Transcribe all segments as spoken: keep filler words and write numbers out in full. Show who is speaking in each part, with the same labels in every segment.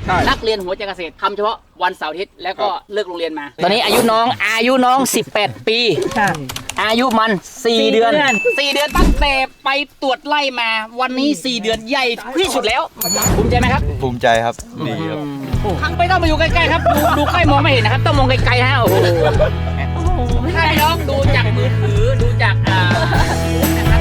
Speaker 1: นักเรียนหัวใจเกษตรทำเฉพาะวันเสาร์อาทิตย์แล้วก็เลิกโรงเรียนมา ตอนนี้อายุน้องอายุน้องสิบแปดปีอายุมันสี่เดือนสี่เดือนตั้งแต่ไปตรวจไล่มาวันนี้สี่เดือนใหญ่ที่สุดแล้วภูมิใจไหมครับ
Speaker 2: ภูมิใจครับดีครับ
Speaker 1: ครั้งไปต้องมาอยู่ใกล้ๆครับดูดูใกล้มองไม่เห็นนะครับต้องมองไกลๆฮะโอ้โหถ้าน้องดูจากมือถือดูจากอ่านะครับ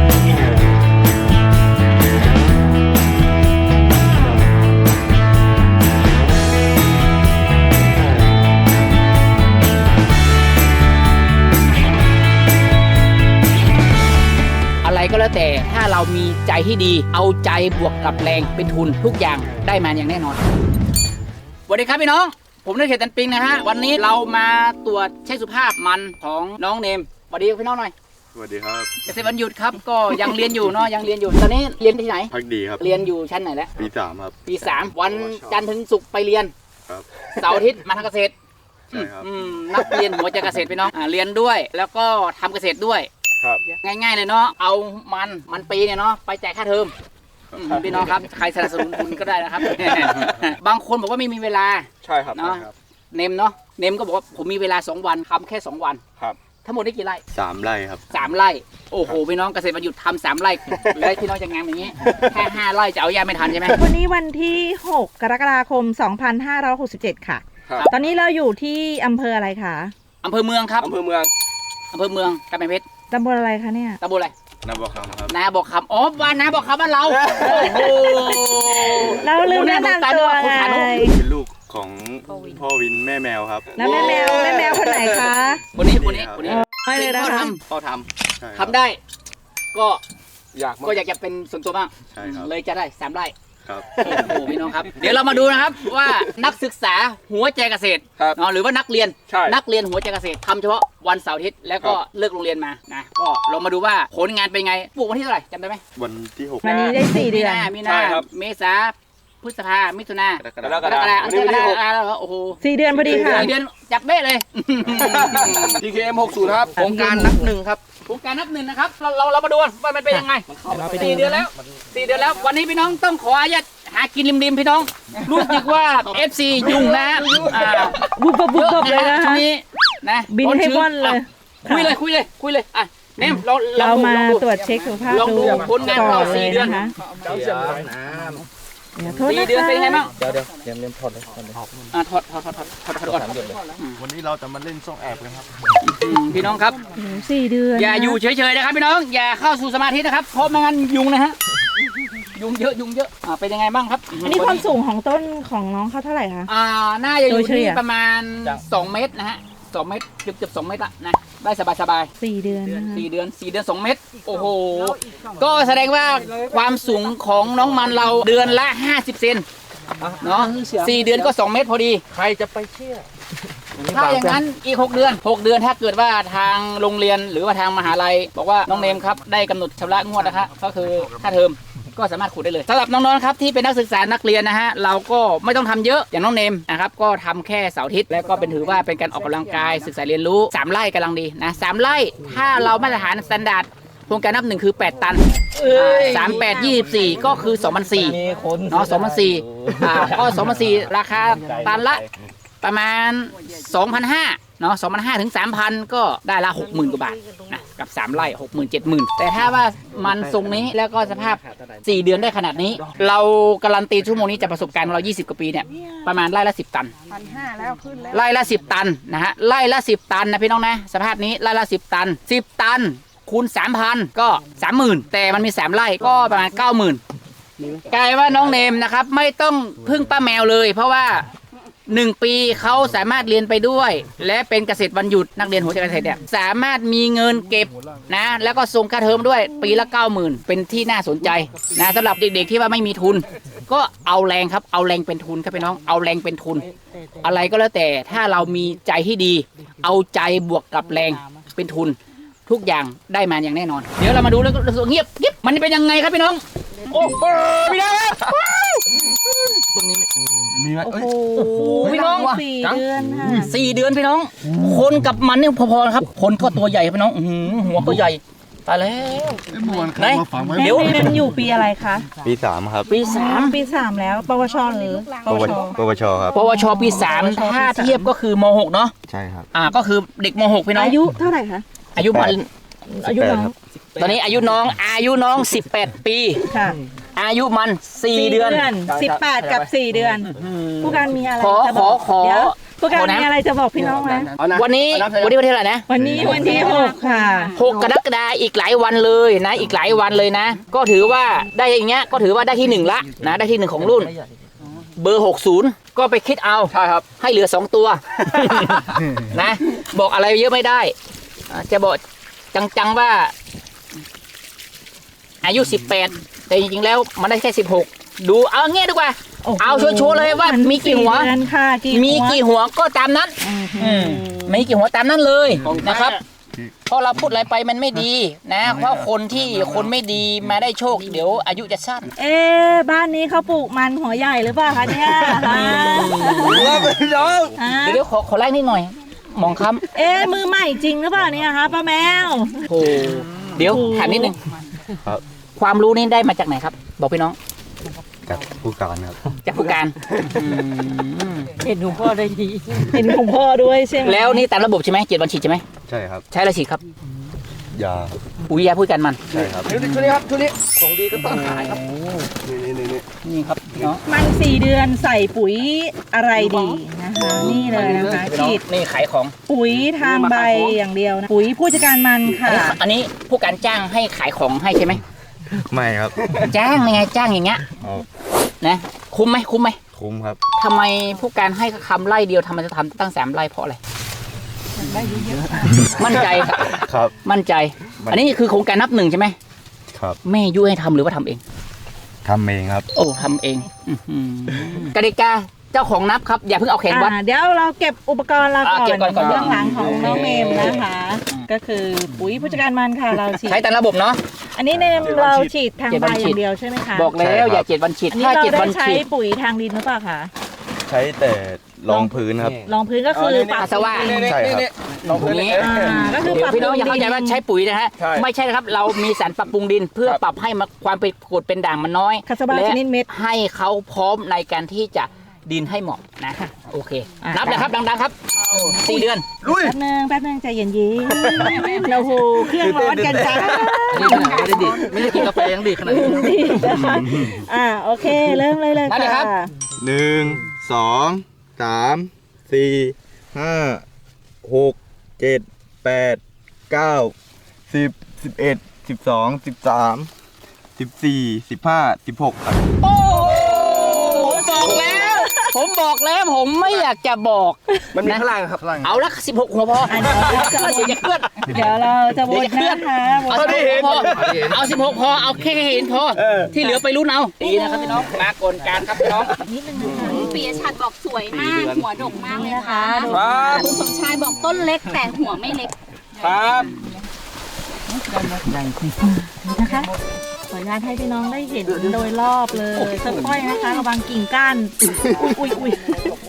Speaker 1: อะไรก็แล้วแต่ถ้าเรามีใจที่ดีเอาใจบวกกับแรงเป็นทุนทุกอย่างได้มาอย่างแน่นอนสวัสดีครับพี่น้องผมนายเขตตันปิงนะฮะวันนี้เรามาตรวจเช็คสุขภาพมันของน้องเนมสวัสดีพี่น้องหน่อย
Speaker 2: สวัสดีครับ
Speaker 1: เกษตรวันหยุดครับก็ยังเรียนอยู่เนาะยังเรียนอยู่ตอนนี้เรียนที่ไหน
Speaker 2: พักดีครับ
Speaker 1: เรียนอยู่ชั้นไหนแล้ว
Speaker 2: ปีสามครับ
Speaker 1: ปีสามวันจันทร์ถึงศุกร์ไปเรียน
Speaker 2: ครับ
Speaker 1: เสาร์อาทิตย์มาทำเกษตร
Speaker 2: ใช่ครับ
Speaker 1: นักเรียนหัวใจเกษตรพี่น้องเรียนด้วยแล้วก็ทำเกษตรด้วยง่ายๆเลยเนาะเอามันมันปีเนี่ยเนาะไปจ่ายค่าเทอมพี่น้องครับใครสนับสนุนคุณก็ได้นะครับ บางคนบอกว่าไม่มีเวลา
Speaker 2: ใช่ครับ
Speaker 1: เนาะเนมเนาะเนมก็บอกว่าผมมีเวลาสองวันทำแค่สองวัน
Speaker 2: ครับ
Speaker 1: ทั้งหมดได้กี่ไร่
Speaker 2: สามไร่ครับ
Speaker 1: สามไร่โอ้โหพี่น้องเกษตรวันหยุดทำสามไร่แล้วพี่น้องจะงานอย่างนี้แค่ห้าไร่จะเอายาไม่ทันใช่ไหม
Speaker 3: วันนี้วันที่หกกรกฎาคมสองพันห้าร้อยหกสิบเจ็ดค่ะตอนนี้เราอยู่ที่อำเภออะไรคะ
Speaker 1: อำเภอเมืองครับ
Speaker 2: อำเภอเมือง
Speaker 1: อำเภอเมืองกำแพงเพชร
Speaker 3: ตำบลอะไรคะเนี่ย
Speaker 1: ตำบลอะไร
Speaker 2: นาบอกคำครับ
Speaker 1: นาบอกคำอ๋อบ้านนาบอกคำบ้านเราโอ้โห
Speaker 3: เราลืมแนะนำตัวไง
Speaker 2: เป็นลูกของพ่อวินแม่แมวครับ
Speaker 3: แล้วแม่แมวแม่แมวคนไหนคะ
Speaker 1: คนนี้คนนี้คนนี้
Speaker 3: ไม่เลยนะ
Speaker 1: พ่อทำพ่อทำทำได้ก็
Speaker 2: อยาก
Speaker 1: ก็อยากจะเป็นส่วนตัวบ้าง
Speaker 2: ใช่ครับ
Speaker 1: เลยจะได้สามไร่
Speaker 2: ครับ
Speaker 1: โอ้โหพี่น้องครับเดี๋ยวเรามาดูนะครับว่านักศึกษาหัวใจเกษตรเนาะหรือว่านักเรียนนักเรียนหัวใจเกษตรทำเฉพาะวันเสาร์อาทิตย์แล้วก็เลิกโรงเรียนมานะก็ลองมาดูว่าผลงานเป็นไงปลูกวันที่เท่าไหร่จำได้ไหม
Speaker 2: วันที่หก
Speaker 3: วันนี้ได้สี่เดือน
Speaker 1: มีนาเมษาพฤษภามิถุนากรกฎาคมวันที่หกโอ้โห
Speaker 3: สี่เดือนพอดีค่ะ
Speaker 1: สี่เดือนจับเบ้เลย
Speaker 4: ที เค เอ็ม หกสิบ ครับโครงการนับหนึ่งครับ
Speaker 1: โครงการนับหนึ่งนะครับเราเราเรามาดูว่ามันเป็นยังไงสี่เดือนแล้วสี่เดือนแล้ววันนี้พี่น้องต้องขออนุญาตหากินริมๆพี่น้องรู้สึกว่า เอฟ ซี ยุ่งนะ
Speaker 3: บุบบุบบุบเลยนะ
Speaker 1: ช่วงนี้นะ
Speaker 3: บินให้ว่อนเลย
Speaker 1: คุยเลยคุยเลยคุยเลยอ่ะเนมเรา
Speaker 3: เรามาตรวจเช็คสุขภาพดู
Speaker 1: ผลงานเราสี่เดือน
Speaker 3: นะ
Speaker 1: สี่เดือนเป็นไงบ้าง
Speaker 4: เดี๋ยวเดี๋ยวเรียนเรียนถอดเลยถอดเลย
Speaker 1: อ่าถอดถอดถอดถอดถอดถอดก่อน
Speaker 2: วันนี้เราจะมาเล่นซ่องแอบกันครับ
Speaker 1: พี่น้องครับ
Speaker 3: สี่เดือน
Speaker 1: อย่าอยู่เฉยๆนะครับพี่น้องอย่าเข้าสู่สมาธินะครับเพราะไม่งั้นยุงนะฮะยุงเยอะยุงเยอะอ่าเป็นยังไงบ้างครับ
Speaker 3: อันนี้ความสูงของต้นของน้องเขาเท่าไหร่คะ
Speaker 1: อ่าน่าจะอยู่ที่ประมาณสองเมตรนะฮะสองเมตรเกือบเกือบสองเมตรละนะได้สบายสบาย
Speaker 3: สี่เดือน
Speaker 1: สี่เดือนสี่เดือนสองเมตรโอ้โหก็แสดงว่าความสูงของน้องมันเราเดือนละห้าสิบเซนเนาะสี่เดือนก็สองเมตรพอดี
Speaker 4: ใครจะไปเชื่อ
Speaker 1: ถ้าอย่างนั้นอีกหกเดือนหกเดือนถ้าเกิดว่าทางโรงเรียนหรือว่าทางมหาลัยบอกว่าน้องเนมครับได้กำหนดชำระงวดนะคะก็คือค่าเทอมก็สามารถขุดได้เลยสำหรับน้องๆครับที่เป็นนักศึกษานักเรียนนะฮะเราก็ไม่ต้องทำเยอะอย่างน้องเนมนะครับก็ทำแค่เสาร์อาทิตย์แล้วก็เป็นถือว่าเป็นการออกกำลังกายศึกษาเรียนรู้สามไร่กำลังดีนะสามไร่ถ้าเรามาตรฐานสแตนดาร์ดโครงการนับหนึ่งคือแปดตันสามแปดยี่สิบสี่ก็คือสองพันสี่เนาะสองพันสี่อ่าก็สองพันสี่ราคาตันละประมาณสองพันห้าเนาะสองพันห้าถึงสามพันก็ได้ละหกหมื่นกว่าบาทนะกับสามไร่หกหมื่นเจ็ดหมื่นแต่ถ้าว่ามันทรงนี้แล้วก็สภาพสี่เดือนได้ขนาดนี้เราการันตีชั่วโมงนี้จากประสบการณ์ของเรายี่สิบกว่าปีเนี่ยประมาณไร่ละสิบตันพันห้าแล้วขึ้นแล้วไร่ละสิบตันนะฮะไร่ละสิบตันนะพี่น้องนะสภาพนี้ไร่ละสิบตันสิบตันคูณสามพันก็สามหมื่นแต่มันมีสามไร่ก็ประมาณเก้าหมื่นกลายว่าน้องเนมนะครับไม่ต้องพึ่งป้าแมวเลยเพราะว่าหนึ่งปีเขาสามารถเรียนไปด้วยและเป็นเกษตรวันหยุดนักเรียนหัวใจเกษตรเนี่ยสามารถมีเงินเก็บนะแล้วก็ส่งค่าเทอมด้วยปีละเก้าหมื่นเป็นที่น่าสนใจนะสำหรับเด็กๆที่ว่าไม่มีทุนก็เอาแรงครับเอาแรงเป็นทุนครับพี่น้องเอาแรงเป็นทุนอะไรก็แล้วแต่ถ้าเรามีใจที่ดีเอาใจบวกกับแรงเป็นทุนทุกอย่างได้มาอย่างแน่นอนเดี๋ยวเรามาดูแล้วก็เงียบกิ๊บมันเป็นยังไงครับพี่น้องโอ้โหพี่น้องตรงนี้มีไหมโอ้โหพี่น้อง
Speaker 3: สี่เดือนค่ะ
Speaker 1: สี่เดือนพี่น้องคนกับมันเนี่ยพอๆครับคนก็ตัวใหญ่พี่น้องหัวก็ใหญ่ตายแล้ว
Speaker 5: มวน
Speaker 1: ไหน
Speaker 5: มาฝังไว้
Speaker 3: เดี๋ยวเรียนอยู่ปีอะไรคะ
Speaker 2: ปีสามครับ
Speaker 1: ปีสาม
Speaker 3: ปีสามแล้ว ปวชหรือปวช
Speaker 2: ปวชครับ
Speaker 1: ปวชปีสามถ้าเทียบก็คือมหกเนาะ
Speaker 2: ใช่ครับ
Speaker 1: อ่าก็คือเด็กมหกพี่น้อง
Speaker 3: อายุเท่าไหร่คะ
Speaker 1: อายุมัน
Speaker 3: อายุน้อง
Speaker 1: ตอนนี้อายุน้องอายุน้องสิบแปดปี
Speaker 3: ค่ะ
Speaker 1: อายุมันสี่เดือน
Speaker 3: สิบแปดกับสี่เดือน ผู้การมีอะไร
Speaker 1: ขอ
Speaker 3: จะบอก
Speaker 1: ขอ
Speaker 3: เดี๋ยวผู้การ
Speaker 1: ขอนะ
Speaker 3: มีอะไรจะบอกพี่น้องไหม
Speaker 4: เอาะ
Speaker 1: วันนี้
Speaker 4: เอาะ
Speaker 1: วันนี้วันที่เท่าไหร่นะ
Speaker 3: วันนี้วันที่หกค่ะ
Speaker 1: หกกรกฎาคมอีกหลายวันเลยนะ อีกหลายวันเลยนะ ก็ถือว่าได้อย่างเงี้ยก็ถือว่าได้ที่หนึ่งละนะได้ที่หนึ่งของรุ่น เบอร์หกสิบก็ไปคิดเอา
Speaker 4: ใช่ครับ
Speaker 1: ให้เหลือสองตัว นะ บอกอะไรเยอะไม่ได้อ่าจะบอกจังๆว่า อายุสิบแปดแต่จริงๆแล้วมันได้แค่สิบหกดูเอาเงี้ยดีกว่า
Speaker 3: โอ้โห
Speaker 1: เอาชัวร์ๆเลยว่ามีกี่หัว
Speaker 3: สี่เดือนค่ะกี่
Speaker 1: มีกี่หัวก็ตามนั้น อืมมีกี่หัวตามนั้นเลยนะครับเพราะเราพูดอะไรไปมันไม่ดีนะ เพราะคนที่คนไม่ดีมาได้โชค เดี๋ยวอายุจะสั้น
Speaker 3: เอ๊ะบ้านนี้เขาปลูกมันหัวใหญ่หรือเปล่าคะเนี่ยฮะ
Speaker 4: ว่าไปน้อง
Speaker 3: ฮะ
Speaker 1: เดี๋ยวขอขอไล่นิดหน่อยมองค
Speaker 3: เอ๊ะมือใหม่จริงหรือเปล่าเนี่ยคะป้าแมว
Speaker 1: ำโอ้เดี๋ยวถามนิดนึง
Speaker 2: ครับ
Speaker 1: ความรู้นี่ได้มาจากไหนครับ บอกพี่น้อง
Speaker 2: จากผู้การครับ
Speaker 1: จากผู้การอืม
Speaker 3: เห็นของพ่อได้ดีเห็นของพ่อด้วยใช่ไหม
Speaker 1: แล้วนี่ตามระบบใช่ไหมเจ็ดวันฉีดใช่ไหม
Speaker 2: ใช่ครับ
Speaker 1: ใช้อะไรฉีดครับ
Speaker 2: ยา
Speaker 1: ปุ๋ยยาพูดกันมัน
Speaker 2: ใช่ครับ
Speaker 4: ชุดนี้ชุดนี้ครับชุดนี้ของดีก็ต้องขายครับนี่นี่นี่
Speaker 1: นี่ครับพี่น้อง
Speaker 3: มันสี่เดือนใส่ปุ๋ยอะไรดีนะคะ นี่เลยนะคะ
Speaker 1: พี่น้อง
Speaker 3: ฉีด
Speaker 1: นี่ขายของ
Speaker 3: ปุ๋ยทางใบอย่างเดียวนะปุ๋ยผู้จัดการมัน
Speaker 1: อัน
Speaker 3: ค่ะ
Speaker 1: นี้อันนี้ผู้การจ้างให้ขายของให้ใช่ไหม
Speaker 2: ไม่ครับ
Speaker 1: จ้างยังไงจ้างอย่างเงี้ย
Speaker 2: เอา
Speaker 1: นะคุ้มไหมคุ้มไหม
Speaker 2: คุ้มครับ
Speaker 1: ทำไมผู้การให้คำไล่เดียวทำไมจะทำตั้งสามไล่เพราะอะไรมั่นใจครับ
Speaker 2: ครับ
Speaker 1: มั่นใจ อันนี้คือโครงการนับหนึ่งใช่ไหม
Speaker 2: ครับ
Speaker 1: แม่ยุให้ทำหรือว่าทำเอง
Speaker 2: ทำเองครับ
Speaker 1: โอ้ทำเองอื้อหือกติกาเจ้าของนับครับอย่าเพิ่งเอาแขนวัด
Speaker 3: อ่าเดี๋ยวเราเก็บอุปกรณ์เรา
Speaker 1: อ่า
Speaker 3: ก่อ
Speaker 1: เก็บ
Speaker 3: น
Speaker 1: ก่อนก่อน
Speaker 3: เรื่องหลังของน้องเมมนะคะ ก็คือปุ๋ยผู้จัดการมันค่ะเราฉีด
Speaker 1: ใช้ตามระบบเนาะ
Speaker 3: อันนี้เนมเราฉีดทาง
Speaker 1: เจ็ด
Speaker 3: ใบ
Speaker 1: วัน
Speaker 3: อ
Speaker 1: ฉีด
Speaker 3: ย่างเดียวใช่ไหมคะ
Speaker 1: บอกแล้วอย่าเจ็ดวันฉีด
Speaker 3: อันนี้
Speaker 1: ถ้า
Speaker 3: เรา
Speaker 1: เจ็ด
Speaker 3: ได้
Speaker 1: วัน
Speaker 3: ใช้
Speaker 1: ฉีด
Speaker 3: ปุ๋ยทางดินหรือเปล่าคะ
Speaker 2: ใช้แต่รองพื้นครับ
Speaker 3: รองพื้นก็คือปรับ
Speaker 1: ปัสสาวะ
Speaker 3: ดิน
Speaker 4: นี่
Speaker 2: ใช่ครับ
Speaker 4: นี่ลองพื้นนี่
Speaker 3: อ่าก็คือ
Speaker 1: เดี๋
Speaker 3: ป
Speaker 1: ย
Speaker 3: รั
Speaker 1: ว
Speaker 3: บ
Speaker 1: พี่น้องอย่าเข้าใจว่าใช้ปุ๋ยนะฮะ
Speaker 4: ใช่
Speaker 1: ไม่ใช่นะครับ เรามีสารปรับปรุงดิน เพื่อ
Speaker 4: ครับ
Speaker 1: ปรับให้มันความเป็นกรดเป็นด่างมันน้อย
Speaker 3: คาสบา
Speaker 1: และ
Speaker 3: ชนิดเม็ด
Speaker 1: ให้เขาพร้อมในการที่จะดินให้เหมาะนะโอเค
Speaker 3: อ่ะ
Speaker 1: นับเลยครับดังๆครับสี่เดือน
Speaker 4: ลุย
Speaker 3: แป๊บนึงแป๊บนึงใจเย็นๆเราโหเครื่องร้อนกันจ้า
Speaker 1: ไม่ได้ดิไม่ได้กินกาแฟยังดีขนาดนี้
Speaker 3: ดีนะคะอ่าโอเคเริ่มเลยเลย
Speaker 1: ได้เลยครั
Speaker 3: ค่ะ
Speaker 1: บ
Speaker 2: หนึ่งสองสามสี่ห้าหกเจ็ดแปดเก้าสิบสิบเอ็ดสิบสองสิบสามสิบสี่สิบห้าสิบหกครับ
Speaker 1: โอ้ผมบอกแล้ว ผมบอกแล้วผมไม่อยากจะบอก
Speaker 4: มันมี
Speaker 1: นะ
Speaker 4: ข้างล่างครับ
Speaker 1: เอาละสิบหกหัวพอ
Speaker 3: อ่ะเดี๋ยวเราจะ
Speaker 1: เดี๋ยวจะเคลื่อน
Speaker 3: เดี๋ยวเราจะว
Speaker 1: เดี๋ยวน จะเคลื่อน
Speaker 3: นะคะว
Speaker 1: เอา
Speaker 3: น
Speaker 1: สิบหกพอเอาสิบหกพอเอาแค่เห็นพอ
Speaker 4: เออ
Speaker 1: ที่เหลือไปรุ่นเอาดีนะครับพี่น้องมากลการครับพี่น้อง
Speaker 3: นิดนึงนะคะ
Speaker 6: ปียชัดบอกสวยมาก หัวดกมากเลย
Speaker 3: นี่นะ
Speaker 6: ค่ะ
Speaker 3: คะ
Speaker 4: ครับ
Speaker 6: คุณสมชายบอกต้นเล็กแต่หัวไม่เล็ก
Speaker 4: ครับ
Speaker 3: นะคะขออนุญาตให้พี่น้องได้เห็นโดยรอบเลยค่อยๆนะคะระวังกิ่งก้านอุ้ยอุ้ย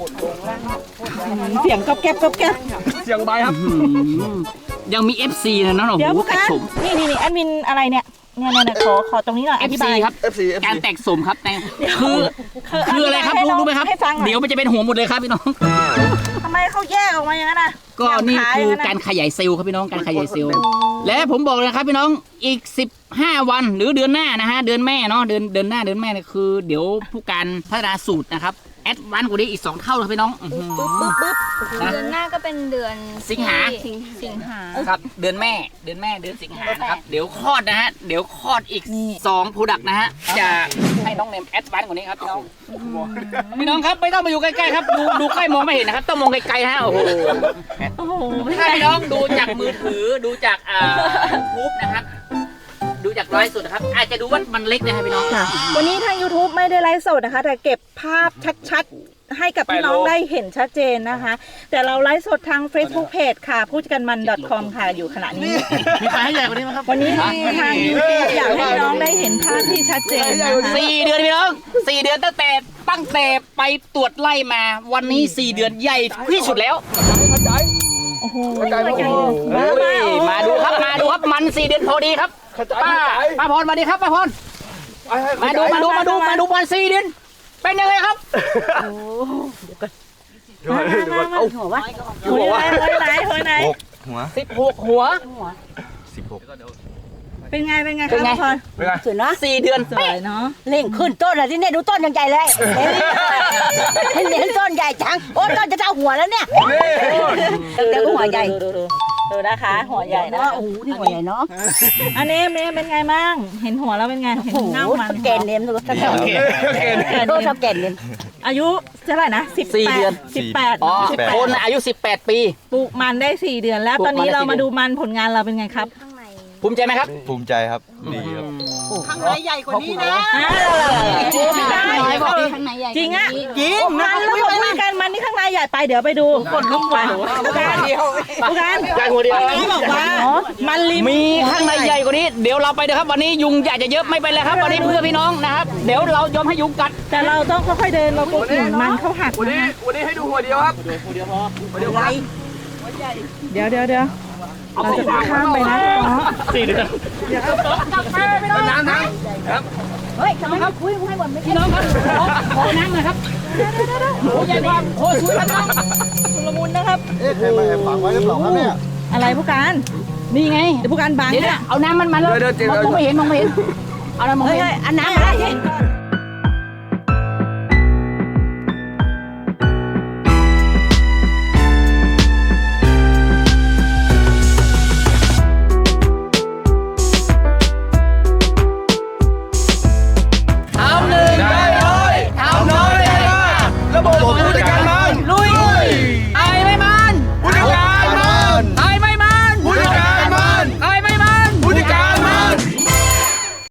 Speaker 3: เสียงก๊อบแก๊บก๊อบแก๊บ
Speaker 4: เสียงใบครับ
Speaker 1: ยังมี เอฟ ซี นะน้องหนู
Speaker 3: เดี๋ยว
Speaker 1: ก
Speaker 3: ผู้
Speaker 1: ระ
Speaker 3: การ
Speaker 1: สม
Speaker 3: นี่นี่นี่แอดมินอะไรเนี่ยเนี่ยเนี่ยขอขอตรงนี้หน่อยอธิ
Speaker 1: เอฟ
Speaker 3: บา
Speaker 1: ซี
Speaker 3: ย
Speaker 1: ครับ
Speaker 4: เอฟ ซี เอฟ
Speaker 1: การ
Speaker 4: ซี
Speaker 1: แตกสมครับแต่คือคืออะไรครับ
Speaker 3: ให้
Speaker 1: รู้
Speaker 3: น้อง
Speaker 1: รู้ไหมครับ
Speaker 3: ให้ฟังหน่อย
Speaker 1: เดี๋ยวมันจะเป็นหัวหมดเลยครับพี่น้อง
Speaker 3: ทำไมเขาแยกออกมาอย่างนั้นน่ะ
Speaker 1: ก็นี่
Speaker 3: ย่งขาย
Speaker 1: คือ
Speaker 3: อย่าง
Speaker 1: การ
Speaker 3: นั้นน่ะ
Speaker 1: ขยายเซลล์ครับพี่น้องการขยายเซลล์และผมบอกเลยนะครับพี่น้องอีกสิบห้าวันหรือเดือนหน้านะฮะเดือนแม่เนาะเดือนเดือนหน้าเดือนแม่เนี่ยคือ เดี๋ยวผู้การพัฒนาสูตรนะครับแอดวานซ์กว่านี้อีกสองเท่าเลยพี่น้องอื้อหือ นะ
Speaker 6: เดือนหน้าก็เป็นเดือน
Speaker 1: สิงหา
Speaker 6: สิงสิงหา
Speaker 1: ครับเดือนแม่เดือนแม่เดือนสิงหานะครับเดี๋ยวคลอดนะฮะเดี๋ยวคลอดอีกสองโปรดักต์นะฮะจะให้น้องเนมแอดวานซ์กว่านี้ครับพี่น้องพี่น้องครับไม่ต้องมาอยู่ใกล้ๆครับดูดูใกล้มองไม่เห็นนะครับต้องมองไกลๆนะฮะโอ้โห
Speaker 3: โอ้โห
Speaker 1: ถ้าพี่น้องดูจากมือถือดูจากอ่ายูทูบนะครับดูจากไลฟ์สดนะครับอาจจะดูว่ามันเล็กนะครับพี่น้อง
Speaker 3: ค่ะวันนี้ทาง YouTube ไม่ได้ไลฟ์สดนะคะ แต่เก็บภาพชัดๆ ให้กับพี่น้องได้เห็นชัดเจนนะคะ แต่เราไลฟ์สดทาง Facebook Page ค่ะผู้จัดการมัน .com ค่ะอยู่ขณะนี้
Speaker 1: มีใครให้ใหญ่กว่านี้ไหมครับ
Speaker 3: วันนี้ทาง YouTube อยากให้พี่น้องได้เห็นภาพที่ชัดเจนนะคะ
Speaker 1: สี่เดือนพี่น้องสี่เดือนตั้งแต่ตั้งแต่ไปตรวจไล่มาวันนี้สี่เดือนใหญ่ที่สุดแล้ว
Speaker 3: โอ้โห
Speaker 4: กลายเป็น
Speaker 3: ใหญ่
Speaker 4: โอ้โห
Speaker 3: มา
Speaker 1: เฮ้ย
Speaker 3: มา
Speaker 1: มาดูครับมาดูครับมันสี่เดือนพอดีครับป้าป้าพรมาดีครับป้าพรมาดูมาดูมาดูมาดูมันสี่เดือนเป็นยังไงครับ
Speaker 3: มามามาหัววะหัวไหนหัวไหน
Speaker 2: หกหัว
Speaker 1: สิบหกหัว
Speaker 2: สิบหก
Speaker 3: เป็นไงเป็นไง
Speaker 1: เป็นไง
Speaker 3: ครับพร
Speaker 5: สวยเนาะ
Speaker 1: สี่เดือน
Speaker 3: สวยเนาะ
Speaker 5: เล่งขึ้นต้นเลยที่เนี่ยดูต้นยังใหญ่เลยเห็นเห็นต้นใหญ่จังโอ้ต้นจะเท่าหัวแล้วเนี่ยเดี๋ยวก็หัวใหญ่
Speaker 3: ดูดูดูนะคะ หัวใหญ่นะ
Speaker 5: โอ้โหนี่หัวใหญ่เนาะ
Speaker 3: อันนี้เมย์เป็นไงบ้างเห็นหัวแล้วเป็นไงเห็น
Speaker 5: โอ้โห
Speaker 3: เงามัน
Speaker 5: แกนเนมดูท่านโตชอบแกนเนม
Speaker 3: อายุเท่าไหร่นะสิบ
Speaker 1: สี่
Speaker 3: แป
Speaker 1: เดือ
Speaker 3: ด
Speaker 1: น
Speaker 3: สิบแปด
Speaker 1: อ๋อ
Speaker 3: สิบแปด
Speaker 1: คนอายุสิบแปดปี
Speaker 3: ปลูกมันได้สี่เดือนแล้ว
Speaker 1: ปลูก
Speaker 3: ตอนนี้
Speaker 1: มันได้
Speaker 3: เรา
Speaker 1: สี่
Speaker 3: มา
Speaker 1: เดื
Speaker 3: ดู
Speaker 1: อน
Speaker 3: มันผลงานเราเป็นไงครับ
Speaker 1: ภูมิใจไหมครับ
Speaker 2: ภูมิใจครับดีครับ
Speaker 5: ข้างในใหญ่กว่านี้นะ
Speaker 3: อ้าว
Speaker 6: บอกที่ข้างในใหญ่
Speaker 3: จริงอ่ะ
Speaker 5: จริง
Speaker 3: มันแล้วบอกว่ากันมันนี่ข้างในใหญ่ไปเดี๋ยวไปดูคนลุกไปผู้การผู้การ
Speaker 4: ใหญ่หัวเดียว
Speaker 3: ที่บอกว่ามันริม
Speaker 1: มีข้างในใหญ่กว่านี้เดี๋ยวเราไปนะครับ วันนี้ยุงอยากจะเยอะไม่เป็นไรครับ วันนี้เพื่อพี่น้องนะครับ เดี๋ยวเรายอมให้ยุงกัด
Speaker 3: แต่เราต้องค่อยๆเดินเรากลัวกิ่งมันเขาหัก
Speaker 4: วัน
Speaker 3: นะ
Speaker 4: นี้
Speaker 3: คะ
Speaker 4: วันนี้ให้ดูหัวเดียวครับ
Speaker 5: ไร
Speaker 3: เดี๋ยวเดี๋ยวเดี๋ยวเราจะข้ามไปนะอ๋อ
Speaker 1: สี่เดือน
Speaker 4: น้ำน้
Speaker 5: เฮ้ยทำไมเขาคุยให้หมดไม่
Speaker 1: พี่น้องครับขอขอน้ำหน่อยครับโอ้ใหญ่กว่าโอ้สวยครับน้อง
Speaker 3: ชุลมุนนะครับ
Speaker 2: เอ๊ะใครมาแอบฝังไว้หรือเปล่าครับเนี่ย
Speaker 3: อะไรผู้การ
Speaker 1: นี่ไง
Speaker 3: เดี๋ยวผู้การบัง
Speaker 1: เดี๋ยว
Speaker 3: เนี่ย
Speaker 1: เอาน้ำมันมาแล้วมองไม่เห็นมองไม่เห็นเอาน้ำมอง
Speaker 5: เฮ้
Speaker 1: ไม่
Speaker 5: ย
Speaker 1: เห็น
Speaker 5: อันน้ำอะไร
Speaker 3: เห็นก่อน